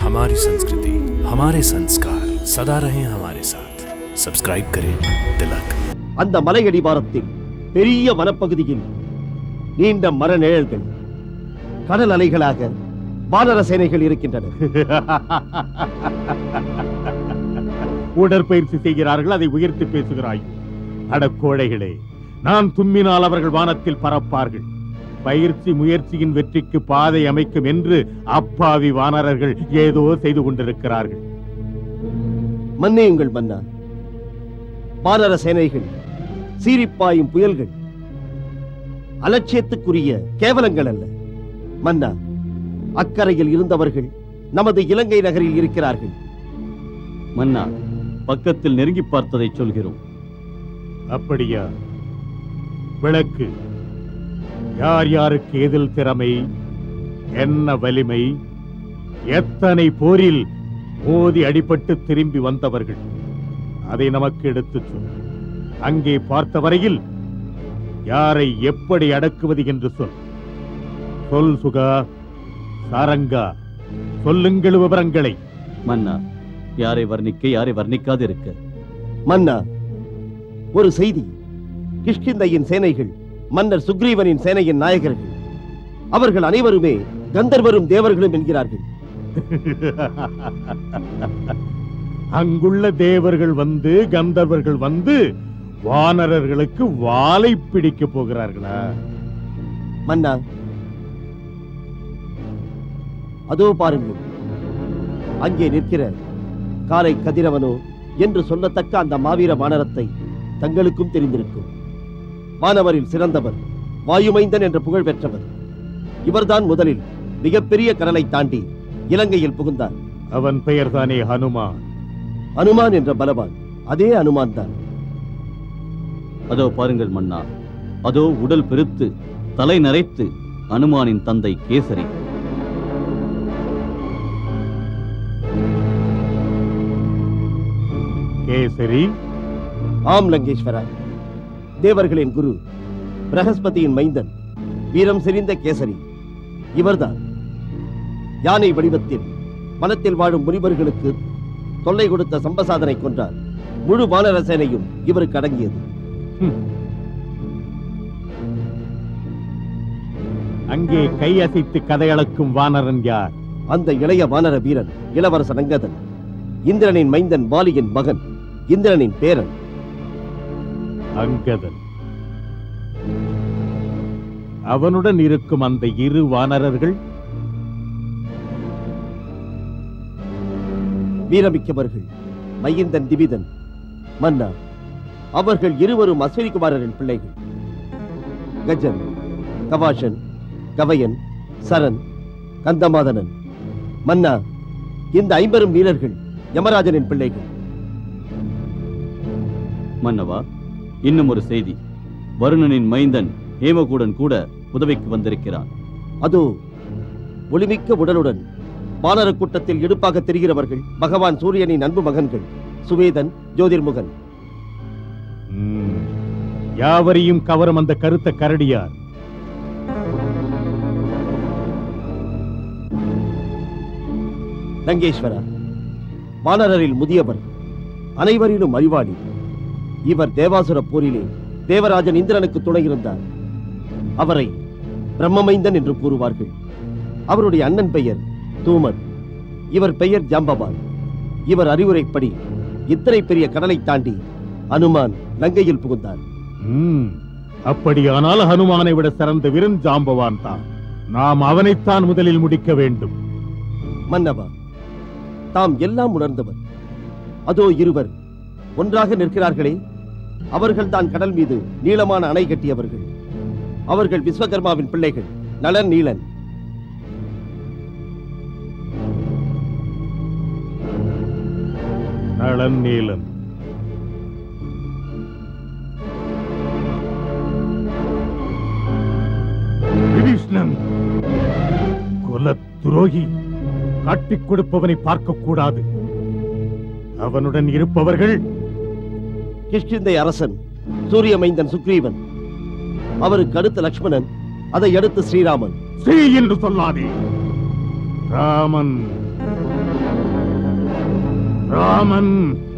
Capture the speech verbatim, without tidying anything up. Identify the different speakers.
Speaker 1: हमारी संस्कृति, हमारे संस्कार सदा रहे हमारे साथ. सब्सक्राइब करें तिलक.
Speaker 2: அந்த மலையடிவாரத்தில் பெரிய வனப்பகுதியில் நீண்ட மர நிழல்கள் கடல் அலைகளாக வானர சேனைகள் இருக்கின்றன.
Speaker 3: உடற்பயிற்சி செய்கிறார்கள், அதை உயர்த்தி பேசுகிறாய். அடக்கோழைகளே, நான் தும்மினால் அவர்கள் வானத்தில் பறப்பார்கள். பயிற்சி முயற்சியின் வெற்றிக்கு பாதை அமைக்கும் என்று அப்பாவி வானரர்கள் ஏதோ செய்து கொண்டிருக்கிறார்கள்.
Speaker 2: மன்னியுங்கள் மன்னா, வானர சேனைகள் சீரிப்பாயும் புயல்கள் அலட்சியத்துக்குரிய கேவலங்கள் அல்ல. மன்னா, அக்கறையில் இருந்தவர்கள் நமது இலங்கை நகரில் இருக்கிறார்கள்.
Speaker 4: மன்னா, பக்கத்தில் நெருங்கி பார்த்ததை சொல்கிறோம்.
Speaker 3: அப்படியா? விளக்கு. யார் யாருக்கு எதில் திறமை, என்ன வலிமை, எத்தனை போரில் மோதி அடிபட்டு திரும்பி வந்தவர்கள், அதை நமக்கு எடுத்துச் சொல். அங்கே பார்த்த வரையில் யாரை எப்படி அடக்குவது என்று சொல். சொல் சுகா, சாரங்கா, சொல்லுங்கள் விவரங்களை.
Speaker 4: மன்னா, யாரை வர்ணிக்க யாரை வர்ணிக்காது இருக்க.
Speaker 2: மன்னா, ஒரு செய்தி. கிஷ்கிந்தையின் சேனைகள் மன்னர் சுக்ரீவனின் சேனையின் நாயகர்கள். அவர்கள் அனைவருமே கந்தர்வரும் தேவர்களும் என்கிறார்கள்.
Speaker 3: அங்குள்ள தேவர்கள் வந்து கந்தர்வர்கள் வந்து வானரர்களுக்கு வாளை பிடிக்க போகிறார்களா?
Speaker 2: மன்னா, அதோ பாருங்கள், அங்கே நிற்கிற காலை கதிரவனோ என்று சொல்லத்தக்க அந்த மாவீர வானரத்தை தங்களுக்கும் தெரிந்திருக்கும். வானவரில் சிறந்தவர், வாயுமைந்தன் என்ற புகழ் பெற்றவர். இவர்தான் முதலில் மிகப்பெரிய கடலை தாண்டி இலங்கையில் புகுந்தார்.
Speaker 3: அவன் பெயர் தானே ஹனுமான்.
Speaker 2: அனுமான் என்ற பலவான், அதே அனுமான் தான்.
Speaker 4: அதோ பாருங்கள் மன்னா, அதோ உடல் பெருத்து தலை நரைத்து அனுமானின் தந்தை கேசரி.
Speaker 3: கேசரி?
Speaker 2: ஆம் லங்கேஸ்வரா, தேவர்களின் குரு, பிரகஸ்பதியின் மைந்தன், வீரம் செறிந்த கேசரி இவர்தான். யானை வடிவத்தில் வனத்தில் வாழும் முனிவர்களுக்கு தொல்லை கொடுத்த சம்பசாதனை கொன்றார். முழு வானர சேனையும் இவருக்கு அடங்கியது.
Speaker 3: அங்கே கையசைத்து கதையளக்கும் வானரன் யார்?
Speaker 2: அந்த இளைய வானர வீரன் இளவரசன் அங்கதன், இந்திரனின் மைந்தன் வாலியின் மகன், இந்திரனின் பேரன்.
Speaker 3: அங்கதன். அவனுடன் இருக்கும் அந்த இரு வானரர்கள்
Speaker 2: வீரமிக்கவர்கள், மைந்தன் திவிதன். மன்னா, அவர்கள் இருவரும் அஸ்வினி குமாரரின் பிள்ளைகள். கஜன், கவாஷன், கவயன், சரண், கந்தமாதனன். மன்னா, இந்த ஐம்பெரும் வீரர்கள் யமராஜனின் பிள்ளைகள்.
Speaker 4: மன்னவா, இன்னும் ஒரு செய்தி. வருணனின் மைந்தன் ஹேமகூடன் கூட உதவிக்கு வந்திருக்கிறான்.
Speaker 2: அதோ ஒளிமிக்க உடலுடன் வானர கூட்டத்தில் எடுப்பாக தெரிகிறவர்கள் பகவான் சூரியனின் அன்பு மகன்கள் சுவேதன், ஜோதிர்முகன்.
Speaker 3: யாவரையும் கவரும் அந்த கருத்த கரடியார்?
Speaker 2: லங்கேஸ்வரா, வானரரில் முதியவர், அனைவரிலும் அறிவாளி. இவர் தேவாசுர போரிலே தேவராஜன் இந்திரனுக்கு துணை இருந்தார். அவரை பிரம்மமைந்தன் என்று கூறுவார்கள். அவருடைய அண்ணன் பெயர் தூமன், இவர் பெயர் ஜாம்பவான். இவர் அறிவுரைப்படி இத்தனை பெரிய கடலை தாண்டி அனுமான் லங்கையில் புகுந்தார்.
Speaker 3: அப்படியானால் ஹனுமானை விட சிறந்த வீரன் ஜாம்பவான் தான். நாம் அவனைத்தான் முதலில் முடிக்க வேண்டும்.
Speaker 2: மன்னவா, தாம் எல்லாம் உணர்ந்தவர். அதோ இருவர் ஒன்றாக நிற்கிறார்களே, அவர்கள் தான் கடல் மீது நீளமான அணை கட்டியவர்கள். அவர்கள் விஸ்வகர்மாவின் பிள்ளைகள், நளன், நீலன்.
Speaker 3: நளன், நீலன். விபீஷ்ணன் கொல துரோகி, காட்டிக் கொடுப்பவனை பார்க்க கூடாது. அவனுடன் இருப்பவர்கள்
Speaker 2: கிஷ்கிந்தை அரசன் சூரிய மைந்தன் சுக்ரீவன், அவருக்கு அடுத்த லக்ஷ்மணன், அதை அடுத்து ஸ்ரீராமன்.
Speaker 3: ஸ்ரீ என்று சொல்லாதே, ராமன். ராமன்